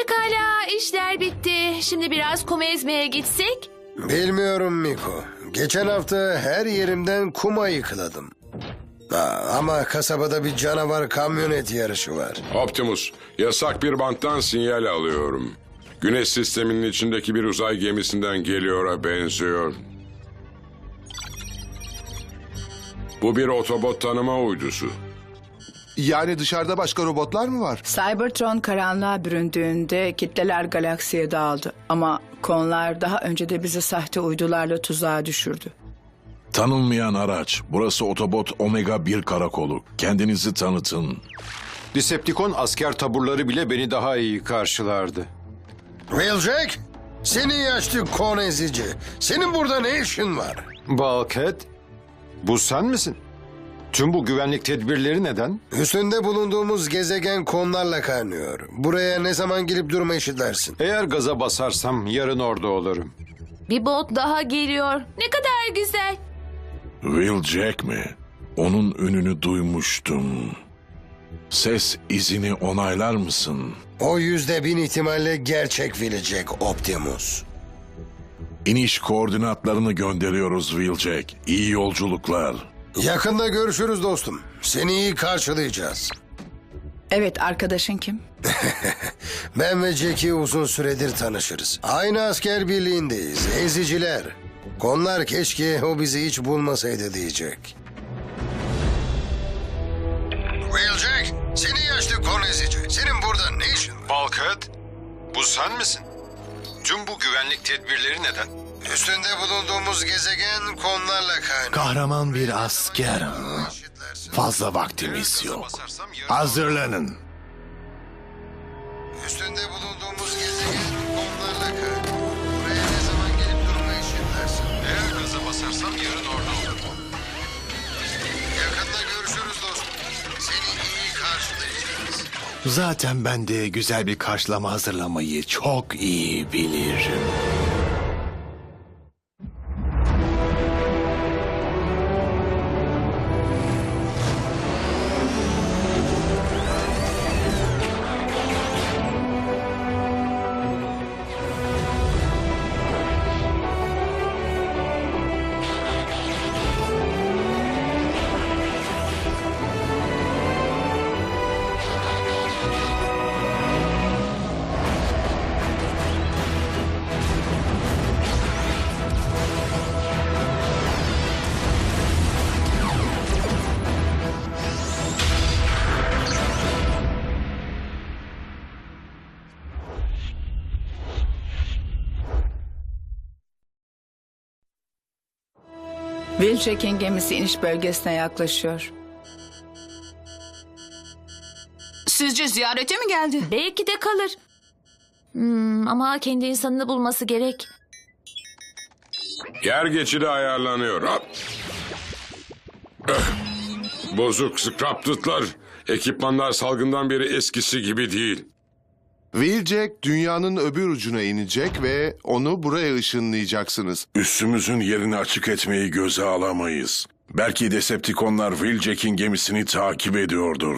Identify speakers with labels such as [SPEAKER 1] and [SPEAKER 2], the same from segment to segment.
[SPEAKER 1] Pekala, işler bitti. Şimdi biraz kum ezmeye gitsek?
[SPEAKER 2] Bilmiyorum Miko. Geçen hafta her yerimden kuma yıkıladım. Ama kasabada bir canavar kamyonet yarışı var.
[SPEAKER 3] Optimus, yasak bir banttan sinyal alıyorum. Güneş sisteminin içindeki bir uzay gemisinden geliyor'a benziyor. Bu bir otobot tanıma uydusu.
[SPEAKER 4] Yani dışarıda başka robotlar mı var?
[SPEAKER 5] Cybertron karanlığa büründüğünde kitleler galaksiye dağıldı. Ama konlar daha önce de bizi sahte uydularla tuzağa düşürdü.
[SPEAKER 6] Tanınmayan araç. Burası Otobot Omega 1 karakolu. Kendinizi tanıtın.
[SPEAKER 7] Decepticon asker taburları bile beni daha iyi karşılardı.
[SPEAKER 2] Wheeljack, seni yaşlı kon ezici. Senin burada ne işin var?
[SPEAKER 7] Bulkhead, bu sen misin? Tüm bu güvenlik tedbirleri neden?
[SPEAKER 2] Üstünde bulunduğumuz gezegen konlarla kaynıyor. Buraya ne zaman gelip durma eşitlersin.
[SPEAKER 7] Eğer gaza basarsam yarın orada olurum.
[SPEAKER 1] Bir bot daha geliyor. Ne kadar güzel.
[SPEAKER 6] Wheeljack mi? Onun ününü duymuştum. Ses izini onaylar mısın?
[SPEAKER 2] O %1000 ihtimalle gerçek Wheeljack Optimus.
[SPEAKER 6] İniş koordinatlarını gönderiyoruz Wheeljack. İyi yolculuklar.
[SPEAKER 2] Yakında görüşürüz dostum. Seni iyi karşılayacağız.
[SPEAKER 5] Evet, arkadaşın kim?
[SPEAKER 2] Ben ve Jack'i uzun süredir tanışırız. Aynı asker birliğindeyiz. Eziciler. Konlar keşke o bizi hiç bulmasaydı diyecek. Wheeljack, seni yaşlı kon ezici. Senin burada ne işin var?
[SPEAKER 7] Bulkhead, bu sen misin? Tüm bu güvenlik tedbirleri neden?
[SPEAKER 2] Üstünde bulunduğumuz gezegen konlarla kaynıyor.
[SPEAKER 8] Kahraman bir asker. Fazla vaktimiz yok. Hazırlanın.
[SPEAKER 2] Üstünde bulunduğumuz gezegen konlarla kaynıyor. Buraya ne zaman gelip durma eşitlersin.
[SPEAKER 7] Eğer gaza basarsam yarın orada olurum.
[SPEAKER 2] Yakında görüşürüz dostum. Seni iyi karşılayacağız.
[SPEAKER 8] Zaten ben de güzel bir karşılama hazırlamayı çok iyi bilirim.
[SPEAKER 5] Wheeljack'in gemisi iniş bölgesine yaklaşıyor.
[SPEAKER 9] Sizce ziyarete mi geldi?
[SPEAKER 1] Belki de kalır. Ama kendi insanını bulması gerek.
[SPEAKER 3] Yer geçidi ayarlanıyor. Hop. Bozuk Scrapted'lar. Ekipmanlar salgından beri eskisi gibi değil.
[SPEAKER 4] Wheeljack dünyanın öbür ucuna inecek ve onu buraya ışınlayacaksınız.
[SPEAKER 6] Üssümüzün yerini açık etmeyi göze alamayız. Belki Decepticonlar Wheeljack'in gemisini takip ediyordur.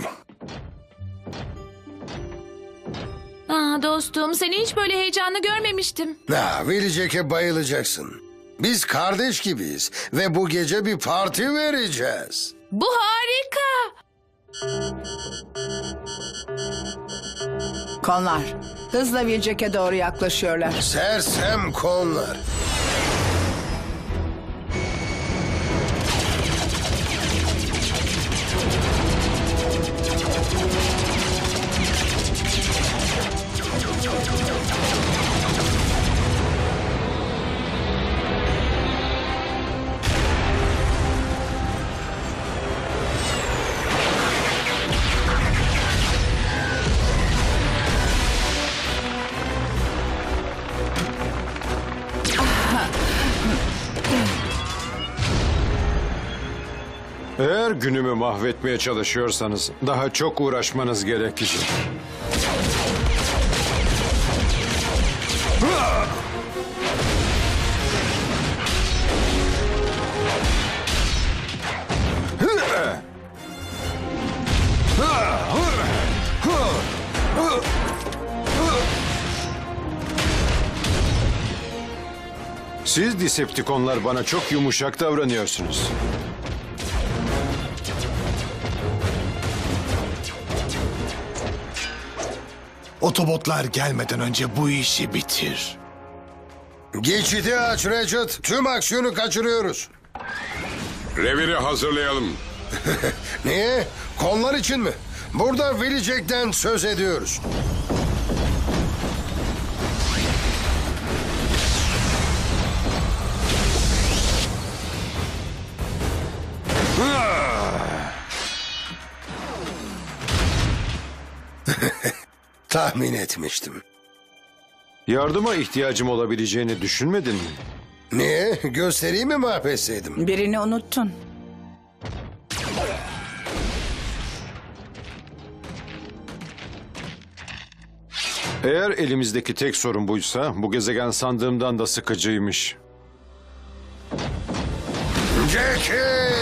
[SPEAKER 1] Dostum, seni hiç böyle heyecanlı görmemiştim.
[SPEAKER 2] Wheeljack'e bayılacaksın. Biz kardeş gibiyiz ve bu gece bir parti vereceğiz.
[SPEAKER 1] Bu harika.
[SPEAKER 5] Konlar hızla Wheeljack'e doğru yaklaşıyorlar.
[SPEAKER 2] Sersem konlar.
[SPEAKER 7] Eğer günümü mahvetmeye çalışıyorsanız daha çok uğraşmanız gerekecek. Siz Decepticonlar bana çok yumuşak davranıyorsunuz.
[SPEAKER 8] Otobotlar gelmeden önce bu işi bitir.
[SPEAKER 2] Geçidi aç Ratchet. Tüm aksiyonu kaçırıyoruz.
[SPEAKER 3] Reviri hazırlayalım.
[SPEAKER 2] Niye? Konlar için mi? Burada Wheeljack'ten söz ediyoruz. Tahmin etmiştim.
[SPEAKER 7] Yardıma ihtiyacım olabileceğini düşünmedin mi?
[SPEAKER 2] Niye? Göstereyim mi mahvetseydim?
[SPEAKER 5] Birini unuttun.
[SPEAKER 7] Eğer elimizdeki tek sorun buysa bu gezegen sandığımdan da sıkıcıymış.
[SPEAKER 2] Jackie!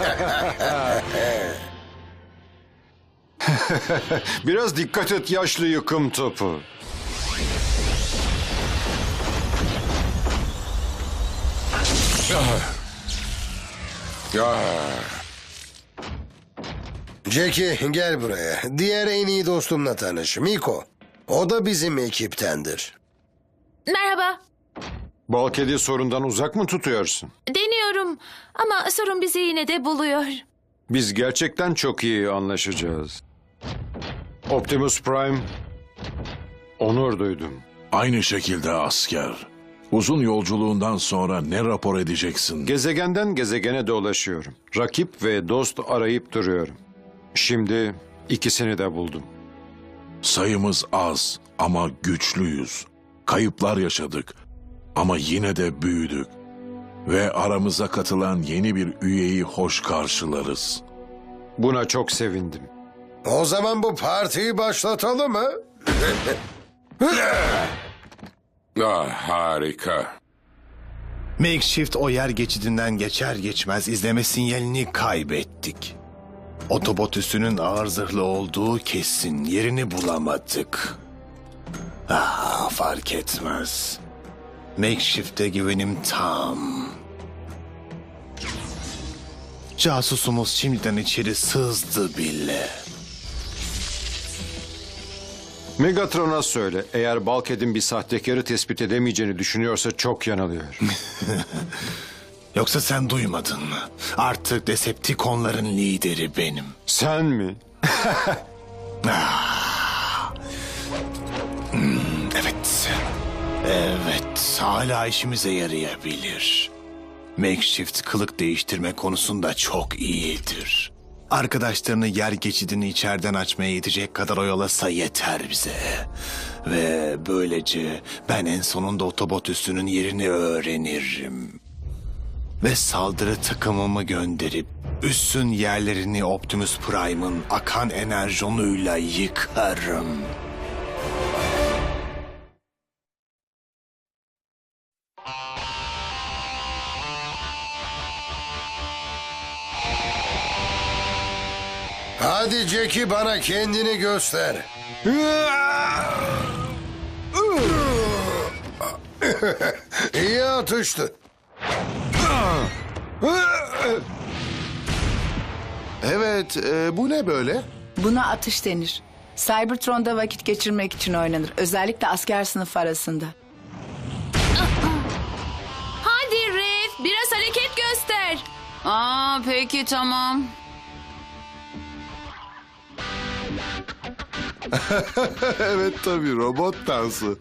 [SPEAKER 7] Biraz dikkat et yaşlı yıkım topu.
[SPEAKER 2] Jackie gel buraya. Diğer en iyi dostumla tanış. Miko. O da bizim ekiptendir.
[SPEAKER 1] Merhaba.
[SPEAKER 7] Balkedi sorundan uzak mı tutuyorsun?
[SPEAKER 1] Deniyorum ama sorun bizi yine de buluyor.
[SPEAKER 7] Biz gerçekten çok iyi anlaşacağız. Optimus Prime, onur duydum.
[SPEAKER 6] Aynı şekilde asker. Uzun yolculuğundan sonra ne rapor edeceksin?
[SPEAKER 7] Gezegenden gezegene dolaşıyorum. Rakip ve dost arayıp duruyorum. Şimdi ikisini de buldum.
[SPEAKER 6] Sayımız az ama güçlüyüz. Kayıplar yaşadık ama yine de büyüdük. Ve aramıza katılan yeni bir üyeyi hoş karşılarız.
[SPEAKER 7] Buna çok sevindim.
[SPEAKER 2] O zaman bu partiyi başlatalım mı?
[SPEAKER 3] Harika.
[SPEAKER 8] Makeshift o yer geçidinden geçer geçmez izleme sinyalini kaybettik. Otobot üssünün ağır zırhlı olduğu kesin. Yerini bulamadık. Fark etmez. Makeshift'e güvenim tam. Casusumuz şimdiden içeri sızdı bile.
[SPEAKER 7] Megatron'a söyle, eğer Balked'in bir sahtekarı tespit edemeyeceğini düşünüyorsa çok yanılıyor.
[SPEAKER 8] Yoksa sen duymadın mı? Artık Decepticonların lideri benim.
[SPEAKER 7] Sen mi?
[SPEAKER 8] Evet. Evet, hala işimize yarayabilir. Makeshift kılık değiştirme konusunda çok iyidir. Arkadaşlarını yer geçidini içeriden açmaya yetecek kadar oyalasa yeter bize. Ve böylece ben en sonunda otobot üssünün yerini öğrenirim. Ve saldırı takımımı gönderip üssün yerlerini Optimus Prime'ın akan enerjonuyla yıkarım.
[SPEAKER 2] Hadi Jackie bana kendini göster. İyi atıştı.
[SPEAKER 4] Evet, bu ne böyle?
[SPEAKER 5] Buna atış denir. Cybertron'da vakit geçirmek için oynanır. Özellikle asker sınıf arasında.
[SPEAKER 1] Hadi Rev, biraz hareket göster.
[SPEAKER 9] Peki tamam.
[SPEAKER 4] Evet tabii, robot dansı.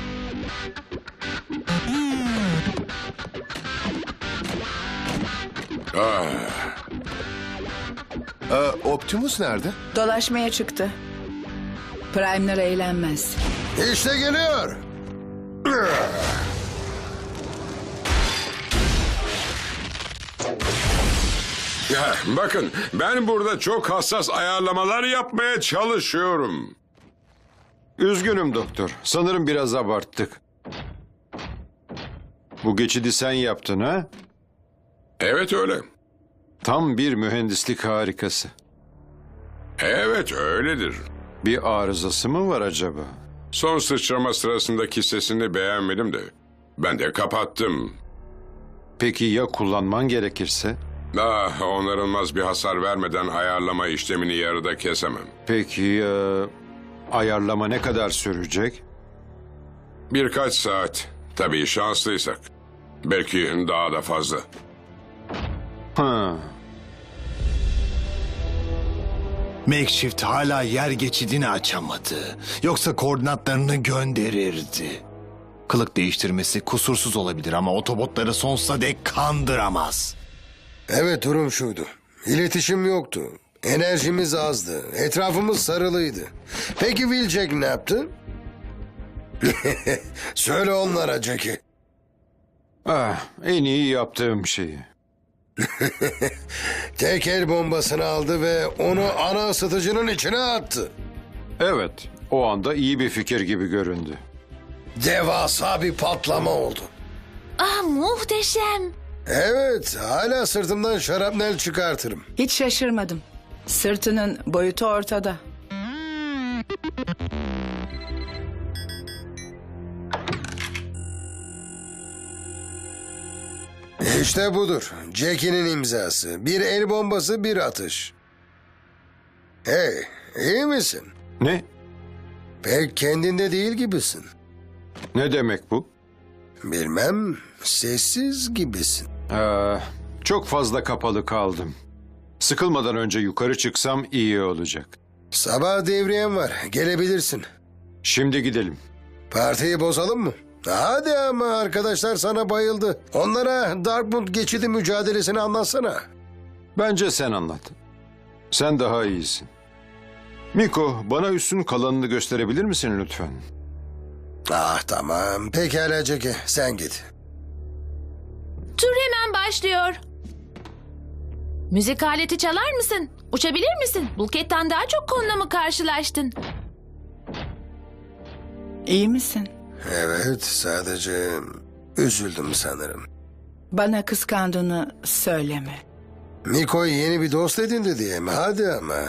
[SPEAKER 4] Optimus nerede?
[SPEAKER 5] Dolaşmaya çıktı. Prime'ler eğlenmez.
[SPEAKER 2] İşte geliyor.
[SPEAKER 3] Ya, bakın, ben burada çok hassas ayarlamalar yapmaya çalışıyorum.
[SPEAKER 7] Üzgünüm doktor. Sanırım biraz abarttık. Bu geçidi sen yaptın ha?
[SPEAKER 3] Evet öyle.
[SPEAKER 7] Tam bir mühendislik harikası.
[SPEAKER 3] Evet öyledir.
[SPEAKER 7] Bir arızası mı var acaba?
[SPEAKER 3] Son sıçrama sırasındaki sesini beğenmedim de. Ben de kapattım.
[SPEAKER 7] Peki ya kullanman gerekirse?
[SPEAKER 3] Onarılmaz bir hasar vermeden ayarlama işlemini yarıda kesemem.
[SPEAKER 7] Peki ayarlama ne kadar sürecek?
[SPEAKER 3] Birkaç saat. Tabii şanslıysak. Belki daha da fazla.
[SPEAKER 7] Ha.
[SPEAKER 8] Makeshift hala yer geçidini açamadı. Yoksa koordinatlarını gönderirdi. Kılık değiştirmesi kusursuz olabilir ama otobotları sonsuza dek kandıramaz.
[SPEAKER 2] Evet, durum şuydu. İletişim yoktu. Enerjimiz azdı. Etrafımız sarılıydı. Peki Wheeljack ne yaptı? Söyle onlara Jackie.
[SPEAKER 7] En iyi yaptığım şeyi.
[SPEAKER 2] Tek el bombasını aldı ve onu ana ısıtıcının içine attı.
[SPEAKER 7] Evet, o anda iyi bir fikir gibi göründü.
[SPEAKER 2] Devasa bir patlama oldu.
[SPEAKER 1] Ah, muhteşem.
[SPEAKER 2] Evet, hala sırtımdan şarapnel çıkartırım.
[SPEAKER 5] Hiç şaşırmadım. Sırtının boyutu ortada.
[SPEAKER 2] İşte budur. Jackie'nin imzası. Bir el bombası, bir atış. Hey, iyi misin?
[SPEAKER 7] Ne?
[SPEAKER 2] Pek kendinde değil gibisin.
[SPEAKER 7] Ne demek bu?
[SPEAKER 2] Bilmem, sessiz gibisin.
[SPEAKER 7] Çok fazla kapalı kaldım. Sıkılmadan önce yukarı çıksam iyi olacak.
[SPEAKER 2] Sabah devriyem var, gelebilirsin.
[SPEAKER 7] Şimdi gidelim.
[SPEAKER 2] Partiyi bozalım mı? Hadi ama arkadaşlar sana bayıldı. Onlara Darkmoon geçidi mücadelesini anlatsana.
[SPEAKER 7] Bence sen anlat. Sen daha iyisin. Miko, bana üstün kalanını gösterebilir misin lütfen?
[SPEAKER 2] Ah tamam, pekala Jackie, sen git.
[SPEAKER 1] Tur hemen başlıyor. Müzik aleti çalar mısın? Uçabilir misin? Bulket'ten daha çok konuna mı karşılaştın?
[SPEAKER 5] İyi misin?
[SPEAKER 2] Evet, sadece üzüldüm sanırım.
[SPEAKER 5] Bana kıskandığını söyleme.
[SPEAKER 2] Miko'yu yeni bir dost edindi diye mi? Hadi ama.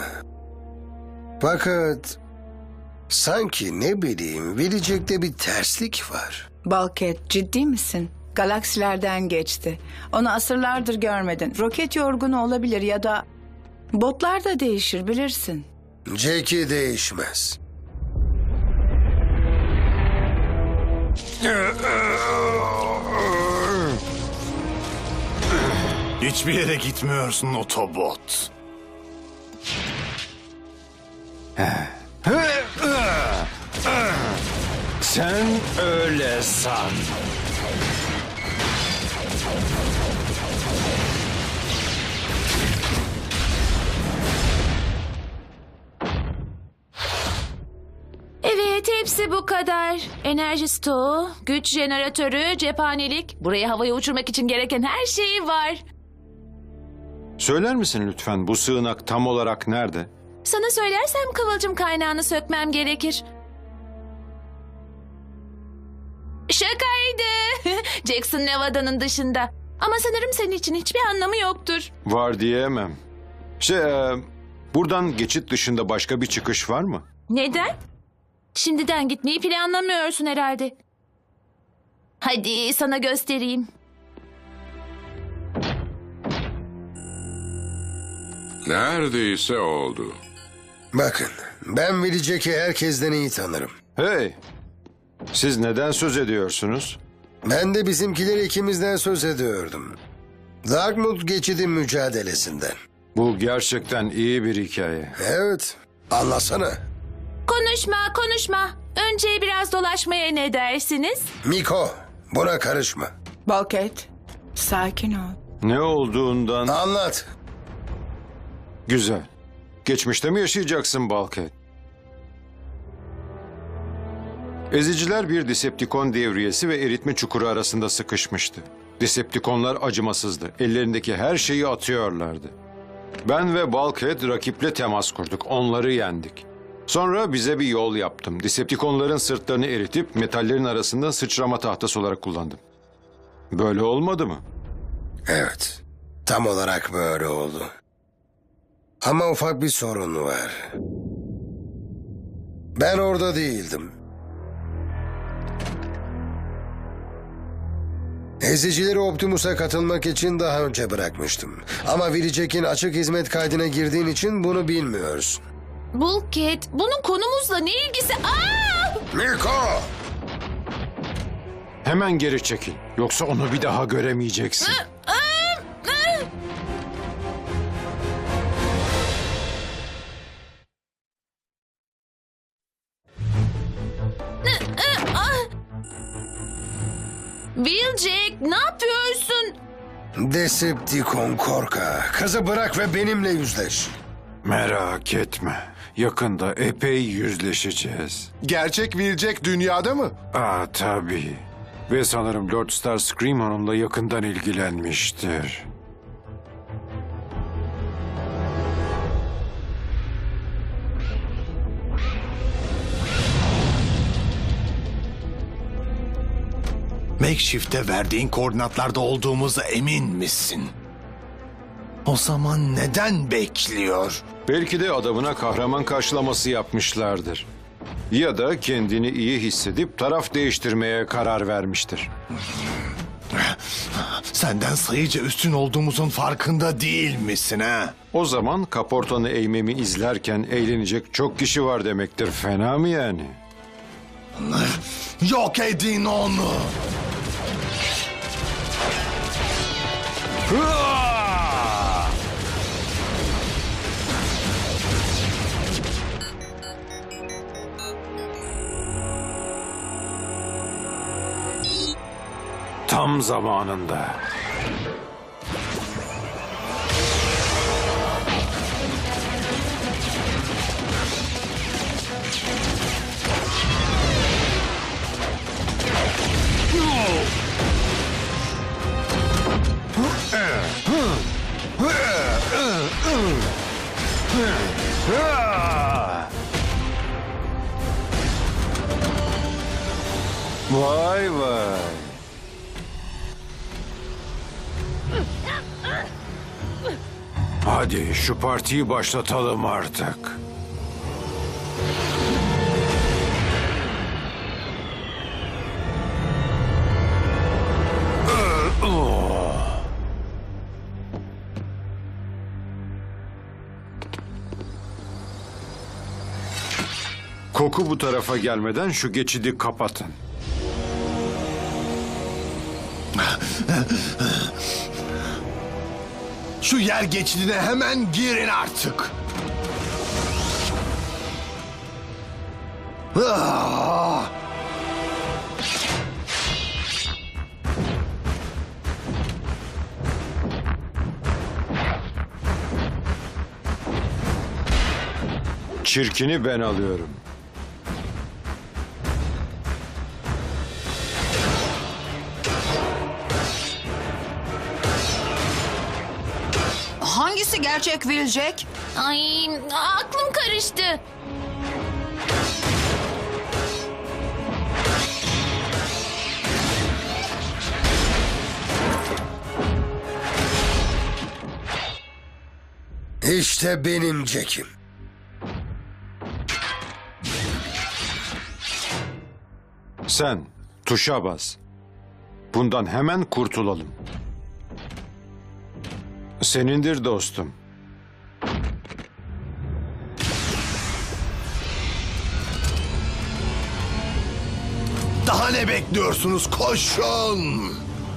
[SPEAKER 2] Fakat sanki ne bileyim, Wheeljack'te bir terslik var.
[SPEAKER 5] Bulkhead, ciddi misin? Galaksilerden geçti. Onu asırlardır görmedin. Roket yorgunu olabilir ya da botlar da değişir bilirsin.
[SPEAKER 2] Jackie değişmez.
[SPEAKER 8] Hiçbir yere gitmiyorsun otobot.
[SPEAKER 7] Sen öyle san.
[SPEAKER 1] Evet, hepsi bu kadar. Enerji stoğu, güç jeneratörü, cephanelik. Buraya havaya uçurmak için gereken her şey var.
[SPEAKER 7] Söyler misin lütfen bu sığınak tam olarak nerede?
[SPEAKER 1] Sana söylersem kıvılcım kaynağını sökmem gerekir. Şakaydı. Jackson Nevada'nın dışında. Ama sanırım senin için hiçbir anlamı yoktur.
[SPEAKER 7] Var diyemem. Buradan geçit dışında başka bir çıkış var mı?
[SPEAKER 1] Neden? Şimdiden gitmeyi planlamıyorsun herhalde. Hadi sana göstereyim.
[SPEAKER 3] Neredeyse oldu.
[SPEAKER 2] Bakın, ben Wheeljack'i herkesten iyi tanırım.
[SPEAKER 7] Hey, siz neden söz ediyorsunuz?
[SPEAKER 2] Ben de bizimkileri ikimizden söz ediyordum. Darkmoon geçidi mücadelesinden.
[SPEAKER 7] Bu gerçekten iyi bir hikaye.
[SPEAKER 2] Evet, anlasana.
[SPEAKER 1] Konuşma. Önce biraz dolaşmaya ne dersiniz?
[SPEAKER 2] Miko, buna karışma.
[SPEAKER 5] Bulkhead, sakin ol.
[SPEAKER 7] Ne olduğundan...
[SPEAKER 2] Anlat.
[SPEAKER 7] Güzel. Geçmişte mi yaşayacaksın Bulkhead? Eziciler bir Decepticon devriyesi ve eritme çukuru arasında sıkışmıştı. Decepticonlar acımasızdı. Ellerindeki her şeyi atıyorlardı. Ben ve Bulkhead rakiple temas kurduk. Onları yendik. Sonra bize bir yol yaptım. Decepticonların sırtlarını eritip metallerin arasında sıçrama tahtası olarak kullandım. Böyle olmadı mı?
[SPEAKER 2] Evet, tam olarak böyle oldu. Ama ufak bir sorun var. Ben orada değildim. Ezicileri Optimus'a katılmak için daha önce bırakmıştım. Ama Willie Jack'in açık hizmet kaydına girdiğin için bunu bilmiyorsun.
[SPEAKER 1] Bulkhead, bunun konumuzla ne ilgisi? Aa!
[SPEAKER 2] Miko!
[SPEAKER 7] Hemen geri çekil. Yoksa onu bir daha göremeyeceksin.
[SPEAKER 1] Wheeljack, ne yapıyorsun?
[SPEAKER 2] Decepticon korka. Kızı bırak ve benimle yüzleş.
[SPEAKER 7] Merak etme. Yakında epey yüzleşeceğiz.
[SPEAKER 4] Gerçek Wheeljack dünyada mı?
[SPEAKER 7] Tabii. Ve sanırım Lord Starscream onunla yakından ilgilenmiştir.
[SPEAKER 8] Makeshift'te verdiğin koordinatlarda olduğumuza emin misin? O zaman neden bekliyor?
[SPEAKER 7] Belki de adamına kahraman karşılaması yapmışlardır. Ya da kendini iyi hissedip taraf değiştirmeye karar vermiştir.
[SPEAKER 8] Senden sayıca üstün olduğumuzun farkında değil misin ha?
[SPEAKER 7] O zaman kaportanı eğmemi izlerken eğlenecek çok kişi var demektir. Fena mı yani?
[SPEAKER 8] Yok edin onu!
[SPEAKER 7] Tam zamanında. Vay vay. Hadi şu partiyi başlatalım artık. Koku bu tarafa gelmeden şu geçidi kapatın.
[SPEAKER 8] Şu yer geçidine hemen girin artık. Ah!
[SPEAKER 7] Çirkini ben alıyorum.
[SPEAKER 9] Hangisi gerçek Wheeljack?
[SPEAKER 1] Ay, aklım karıştı.
[SPEAKER 2] İşte benim Jack'im.
[SPEAKER 7] Sen tuşa bas. Bundan hemen kurtulalım. Senindir dostum.
[SPEAKER 8] Daha ne bekliyorsunuz? Koşun!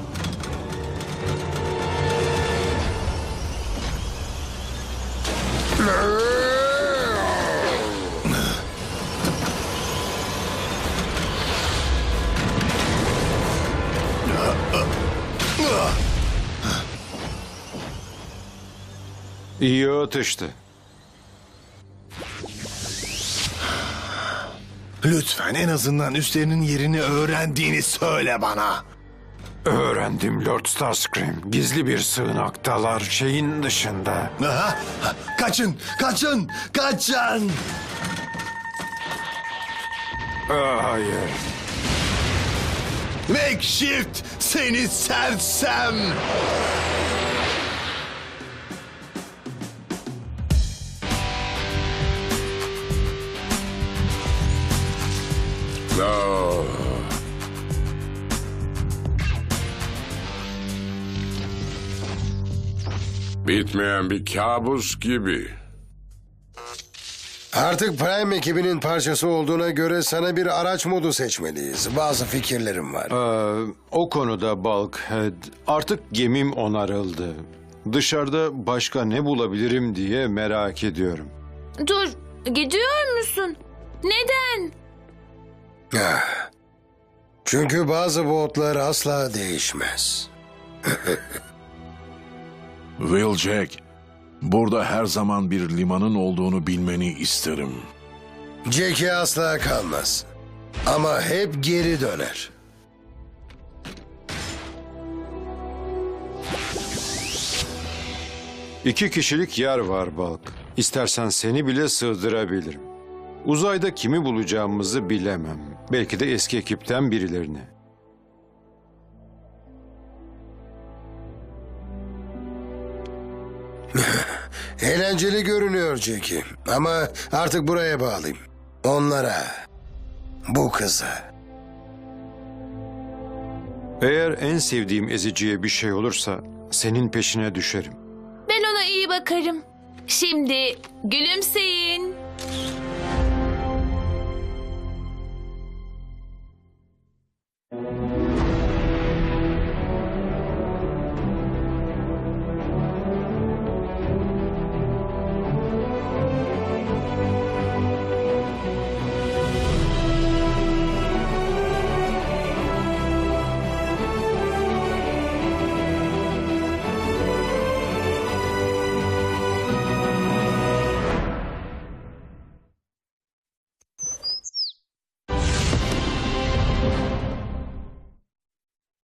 [SPEAKER 7] İyi atıştı.
[SPEAKER 8] Lütfen en azından üstlerinin yerini öğrendiğini söyle bana.
[SPEAKER 7] Öğrendim Lord Starscream. Gizli bir sığınaktalar şeyin dışında.
[SPEAKER 8] Aha, kaçın, kaçın, kaçın!
[SPEAKER 7] Hayır.
[SPEAKER 8] Makeshift seni sersem!
[SPEAKER 3] Bitmeyen bir kabus gibi.
[SPEAKER 2] Artık Prime ekibinin parçası olduğuna göre sana bir araç modu seçmeliyiz. Bazı fikirlerim var.
[SPEAKER 7] O konuda Bulkhead, artık gemim onarıldı. Dışarıda başka ne bulabilirim diye merak ediyorum.
[SPEAKER 1] Dur, gidiyor musun? Neden?
[SPEAKER 2] Ah. Çünkü bazı botlar asla değişmez.
[SPEAKER 6] Wheeljack, burada her zaman bir limanın olduğunu bilmeni isterim.
[SPEAKER 2] Jackie asla kalmaz. Ama hep geri döner.
[SPEAKER 7] İki kişilik yer var Bulk. İstersen seni bile sığdırabilirim. Uzayda kimi bulacağımızı bilemem. Belki de eski ekipten birilerini.
[SPEAKER 2] Eğlenceli görünüyor Jackie. Ama artık buraya bağlayayım. Onlara. Bu kıza.
[SPEAKER 7] Eğer en sevdiğim eziciye bir şey olursa senin peşine düşerim.
[SPEAKER 1] Ben ona iyi bakarım. Şimdi gülümseyin.